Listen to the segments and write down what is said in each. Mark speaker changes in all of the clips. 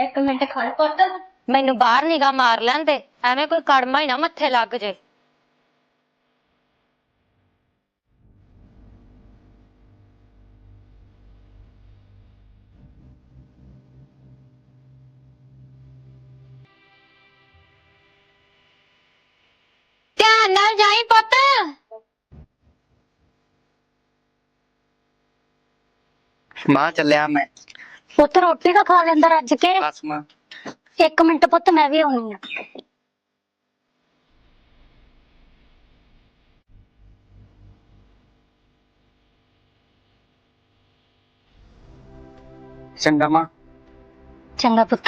Speaker 1: एक मिनट खड़ पुत
Speaker 2: मैनू बाहर निगाह मार लेंदे एवें कोई कड़मा ही ना मत्थे लग जे। ध्यान नाल जाई पुत।
Speaker 3: मां चलिया मैं।
Speaker 1: पुत रोटी का खा लेंदा रज के।
Speaker 3: बस मां।
Speaker 1: एक मिनट पुत मैं भी आउणी आ।
Speaker 3: चंगा मां।
Speaker 1: चंगा पुत।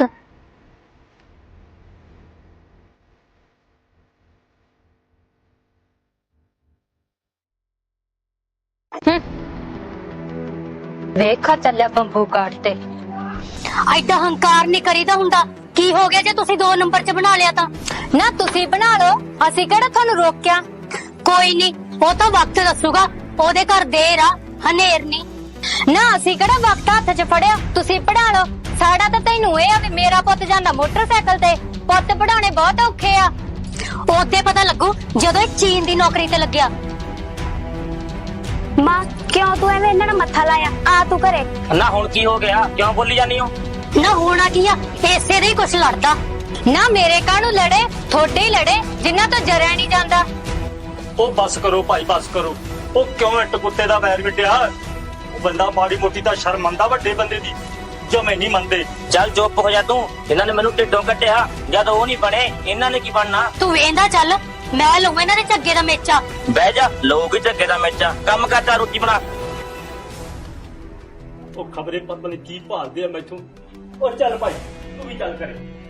Speaker 2: वेखा चलिया बंबू काट ते।
Speaker 1: ਐਡਾ ਹੰਕਾਰ ਨਹੀਂ ਕਰੀਦਾ ਹੁੰਦਾ। ਕੀ ਹੋ ਗਿਆ ਜੇ ਤੁਸੀਂ 2 ਨੰਬਰ 'ਚ ਬਣਾ ਲਿਆ ਤਾਂ?
Speaker 2: ना तुसी बना लो, ਅਸੀਂ ਕਿਹੜਾ ਤੁਹਾਨੂੰ ਰੋਕਿਆ।
Speaker 1: ਕੋਈ ਨਹੀਂ, ਉਹ ਤਾਂ ਵਕਤ ਦੱਸੂਗਾ। ਉਹਦੇ ਘਰ ਦੇਰ ਆ, ਹਨੇਰ ਨਹੀਂ।
Speaker 2: ਨਾ ਅਸੀਂ ਕਿਹੜਾ ਵਕਤ ਹੱਥ 'ਚ ਫੜਿਆ, ਤੁਸੀਂ ਪੜਾ ਲਓ। ਸਾਡਾ ਤਾਂ ਤੈਨੂੰ ਇਹ ਆ ਵੀ ਮੇਰਾ ਪੁੱਤ ਜਾਂਦਾ ਮੋਟਰਸਾਈਕਲ ਤੇ, ਪੁੱਤ ਪੜਾਉਣੇ ਬਹੁਤ ਔਖੇ ਆ।
Speaker 1: ਉਹਦੇ ਪਤਾ ਲੱਗੂ ਜਦੋਂ ਇਹ ਚੀਨ ਦੀ ਨੌਕਰੀ ਤੇ ਲੱਗਿਆ। ਮਾਂ ਕਿਉਂ ਤੂੰ ਐਵੇਂ ਇਹਨਾਂ ਨਾਲ ਮੱਥਾ ਲਾਇਆ? ਆ ਤੂੰ ਘਰੇ।
Speaker 4: ਨਾ ਹੁਣ ਕੀ ਹੋ ਗਿਆ, ਕਿਉਂ ਬੋਲੀ ਜਾਨੀ ਹੋ?
Speaker 1: ਨਾ ਹੋਣਾ ਕੀ ਆ, ਇਸੇ ਦੇ ਹੀ ਕੁਛ ਲੜਦਾ।
Speaker 2: ਨਾ ਮੇਰੇ ਕਾਹਨੂੰ ਲੜੇ, ਥੋੜੇ ਹੀ ਲੜੇ ਜਿੰਨਾ ਤੋਂ ਜਰਿਆ ਨਹੀਂ ਜਾਂਦਾ।
Speaker 4: ਉਹ ਬਸ ਕਰੋ ਭਾਈ, ਬਸ ਕਰੋ। ਉਹ ਕਿਉਂ ਇੱਟ ਕੁੱਤੇ ਦਾ ਵੈਰ ਮਿਟਿਆ? ਉਹ ਬੰਦਾ ਮਾੜੀ ਮੋਟੀ ਤਾਂ ਸ਼ਰਮ ਮੰਨਦਾ ਵੱਡੇ ਬੰਦੇ ਦੀ, ਜਮੇ ਨਹੀਂ ਮੰਨਦੇ। ਚੱਲ ਚੁੱਪ ਹੋ ਜਾ ਤੂੰ। ਇਹਨਾਂ ਨੇ ਮੈਨੂੰ ਢਿੱਡੋਂ ਕੱਟਿਆ, ਜਦ ਉਹ ਨਹੀਂ ਬਣੇ ਇਹਨਾਂ ਨੇ ਕੀ ਬਣਨਾ?
Speaker 1: ਤੂੰ ਵੇਂਦਾ ਚੱਲ, ਮੈਂ ਲਊਂ ਇਹਨਾਂ ਦੇ ਝੱਗੇ ਦਾ ਮੇਚਾ।
Speaker 4: ਬਹਿ ਜਾ, ਲੋਕ ਹੀ ਝੱਗੇ ਦਾ ਮੇਚਾ। ਕੰਮ ਕਰਦਾ, ਰੋਟੀ ਬਣਾ। ਉਹ ਖਬਰੇ ਪਤਾ ਨਹੀਂ ਕੀ ਭਾਲਦੇ ਆ ਮੈਥੋਂ। ਉਹ ਚੱਲ ਭਾਈ, ਤੂੰ ਵੀ ਚੱਲ ਕਰੇ।